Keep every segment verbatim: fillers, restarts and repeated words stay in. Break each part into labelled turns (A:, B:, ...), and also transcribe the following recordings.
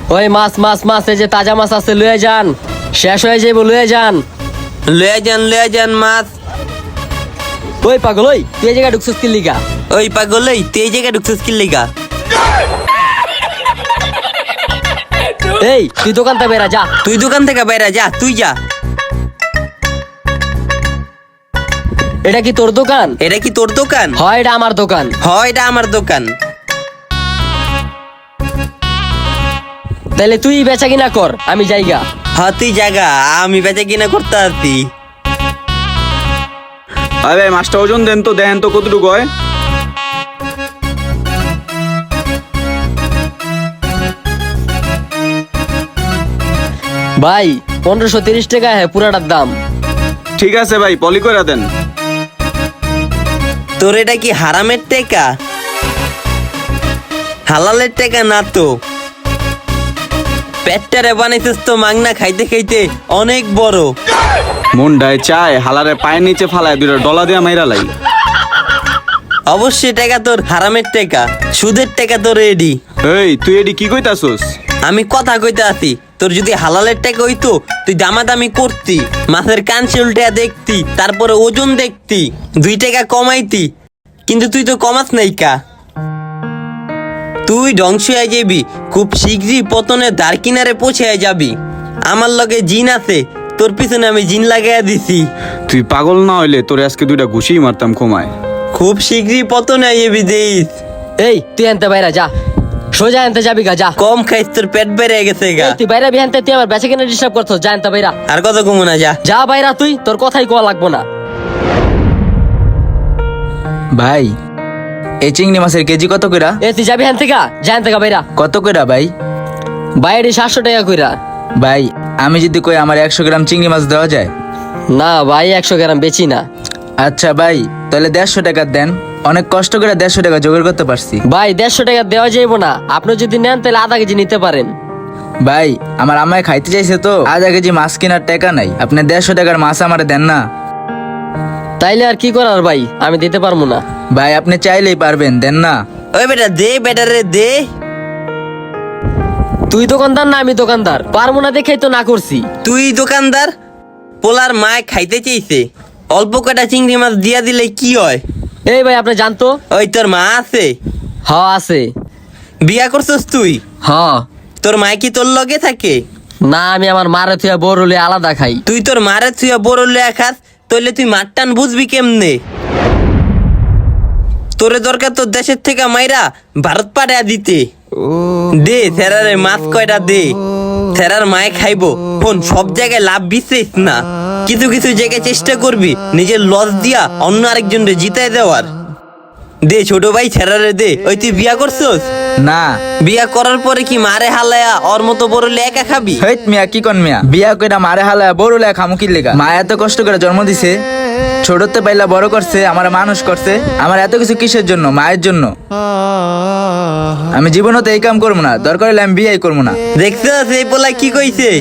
A: ওই মাছ মাছ মাছ এই যে তাজা মাছ আছে লয়ে যান, শেষ হয়ে যাইব লয়ে যান।
B: লয়ে যান লয়ে যান মাছ।
A: ওই পাগল ওই তুই এই জায়গায় ঢুকছিস কি লিগা?
B: ওই পাগল এই তুই এই জায়গায় ঢুকছিস কি লিগা?
A: এই তুই দোকান থেকে বেরা যা।
B: তুই দোকান থেকে বাইরে যা, তুই যা।
A: এটা কি তোর দোকান?
B: এটা কি তোর দোকান?
A: হয় এটা আমার দোকান।
B: হয় এটা আমার দোকান।
A: তাহলে তুই বেচা কিনা কর, আমি যাইগা।
B: হ্যাঁ তুই জায়গা, আমি বেচা কিনা করতে আসি।
C: আরে মাছটা ওজন দেন তো, দেন তো কতটুকু হয়।
A: ভাই পনেরোশো তিরিশ টাকা হ্যাঁ পুরাটার দাম।
C: ঠিক আছে ভাই, পলি করে দেন।
B: তোর এটা কি হারামের টাকা? হালালের টাকা না তো। পেটটারে বানাইছিস তো মাংনা খাইতে খাইতে অনেক বড়।
C: মনটায় চায় হালারে পায়ের নিচে ফালায় দুইটা ডলা দিয়ে মাইরা লাই।
B: অবশ্যই টাকা তোর হারামের টাকা, সুদের টাকা তোর এডি।
C: এই তুই এডি কি কইতাছস?
B: আমি কথা কইতে আসি, তোর যদি হালালের টাকা হইতো তুই দামাদামি করতি, মাছের কানছে উল্টে দেখতি, তারপরে ওজন দেখতি, দুই টাকা কমাইতি। কিন্তু তুই তো কমাস নাই কা। তুই ধ্বংস হয়ে যাবি, খুব শীঘ্রই পতনের দ্বার কিনারে পৌঁছে যাবি। আমার লগে জিন আছে, তোর পিছনে আমি জিন লাগাইয়া দিছি।
C: তুই পাগল না হইলে তোরে আজকে দুইটা ঘুষি মারতাম ক্ষমায়।
B: খুব শীঘ্রই পতনে আইবি দেইস।
A: এই তুই আনতে বাইরা যা, সোজা আনতে যাবি গা যা।
B: কম খাইস, তোর পেট বেড়ে গেছে গা।
A: এই, তুই বাইরা বিহানতে তুই আমার বেচা কিনা ডিস্টার্ব করছো, যা আনতে বাইরা।
B: আর কত কমু না যা।
A: যা বাইরা তুই, তোর কথাই কোয়া লাগবো না।
D: ভাই এই চিংড়ি মাছের কেজি কত কইরা?
A: এ তুই যাবি হ্যান থেকে, যা আনতে গা বাইরা।
D: কত কইরা ভাই?
A: বাইরে সাতশো টাকা কইরা।
D: ভাই আমি যদি কই আমার একশো গ্রাম চিংড়ি মাছ দেওয়া যায়?
A: না ভাই একশো গ্রাম বেচি না।
D: আচ্ছা ভাই তাহলে দেড়শো টাকা দেন, অনেক কষ্ট করে দেড়শো টাকা জোগাড় করতে পারছি।
A: ভাই দেড়শো টাকা দেওয়া যাইব না, আপনি যদি নেন তাহলে আধা কেজি নিতে পারেন।
D: ভাই আমার আম্মায় খাইতে চাইছে তো, আধা কেজি মাছ কেনার টাকা নাই, আপনি দেড়শো টাকার মাছ আমারে দেন না।
A: তাইলে আর কি করার ভাই, আমি দিতে পারবো না।
D: ভাই আপনি চাইলেই পারবেন, দেন না।
B: ওই বেটা দে, বেটা রে দে।
A: তুই দোকানদার না আমি দোকানদার, পারবো না দেখেই তো না করছি।
B: তুই দোকানদার, পোলার মায় খাইতে চাইছে, অল্প কটা চিংড়ি মাছ দিয়া দিলে কি হয়?
A: এই ভাই আপনি জানতো?
B: ওই তোর মা আছে?
A: হ আছে।
B: বিয়া করছস তুই?
A: হ।
B: তোর মায় কি তোর লগে থাকে?
A: না আমি আমার মারে থুয়া বড়লে আলাদা খাই।
B: তুই তোর মারে তুই বড় লেয়া খাস, তাইলে তুই মার টান বুঝবি কেমনে? তোরে দরকার তোর দেশের থেকে মাইরা ভারত পাঠাইয়া দিতে। দে থেরারে মাছ কয়টা দে, থেরার মায় খাইবো। ফোন সব জায়গায় লাভ বিশেষ না, কিছু কিছু জায়গায় চেষ্টা করবি নিজের লস দিয়া অন্য আরেকজনরে জিতাই দেওয়ার। দে ছোট ভাই ছেড়ারে দে। ওই তুই বিয়া করছস?
D: না।
B: বিয়া করার পরে কি মারে হালায়া ওর মতো বড় লেখা খাবি?
D: হেট মিয়া কি কোন মিয়া, বিয়া কইরা মারে হালায় বড় লেখা খামু কি লেগা? মা এত কষ্ট করে জন্ম দিছে, ছোটতে পাইলা বড় করছে, আমার মানুষ করছে, আমার এত কিছু কিসের জন্য? মায়ের জন্য। আমি জীবনত এই কাম করবো না, দরকার হলে আমি বিয়াই করবো না।
B: দেখছস এই পোলা কি কইছে?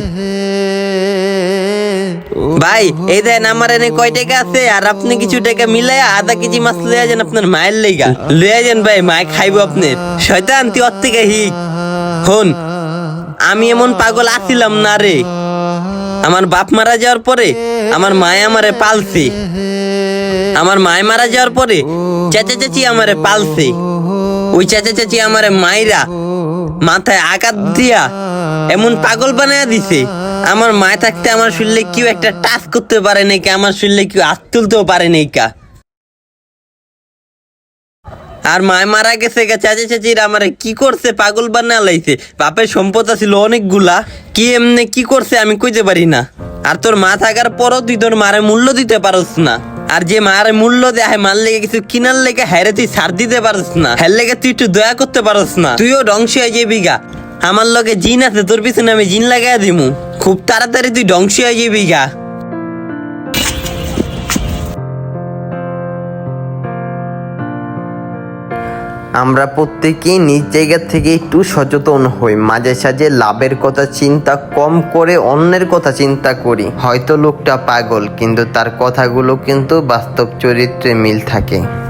B: ভাই এই দেন আমার এনে কয় টাকা আছে, আর আপনি কিছু টাকা মিলাইয়া আধা কেজি মাছ লইয়া যান আপনার মায়ের লেগা। লইয়া যান ভাই, মায় খাইবো আপনার। শয়তান তুই ওর থেকে হিক। হন আমি এমন পাগল আছিলাম না রে। আমার বাপ মারা যাওয়ার পরে আমার মায় আমারে পালছে, আমার মায় মারা যাওয়ার পরে চাচা চাচি আমারে পালছে। ওই চাচা চাচি আমারে মাইরা মাথায় আঘাত দিয়া এমন পাগল বানায়া দিছে, আমার মায় থাকতে আমার শরীরে কেউ একটা টাচ করতে পারে নাই কা, আমার শরীরে কেউ হাত তুলতেও পারে নাই কা। আর মায় মারা গেছে গা, চাচা চাচিরা আমারে কি করছে, পাগল বানা লাইছে। বাপের সম্পদ ছিল অনেকগুলা, কি এমনি কি করছে আমি কইতে পারি না। আর তোর মা থাকার পরও তুই তোর মারে মূল্য দিতে পারস না। আর যে মারে মূল্য দেয় মার লেগে কিছু কিনার লেগে হ্যারে তুই ছাড় দিতে পারস না, হ্যার লেগে তুই একটু দয়া করতে পারস না। তুইও ধ্বংস হয়ে যাবি গা। আমার লগে জিন আছে, তোর পিছনে আমি জিন লাগাই দিমু, খুব তাড়াতাড়ি তুই ধ্বংস হয়ে যাবি গা।
E: আমরা প্রত্যেকেই নিজ জায়গা থেকে একটু সচেতন হই, মাঝে সাঝে লাভের কথা চিন্তা কম করে অন্যের কথা চিন্তা করি। হয়তো লোকটা পাগল, কিন্তু তার কথাগুলো কিন্তু বাস্তব চরিত্রে মিল থাকে।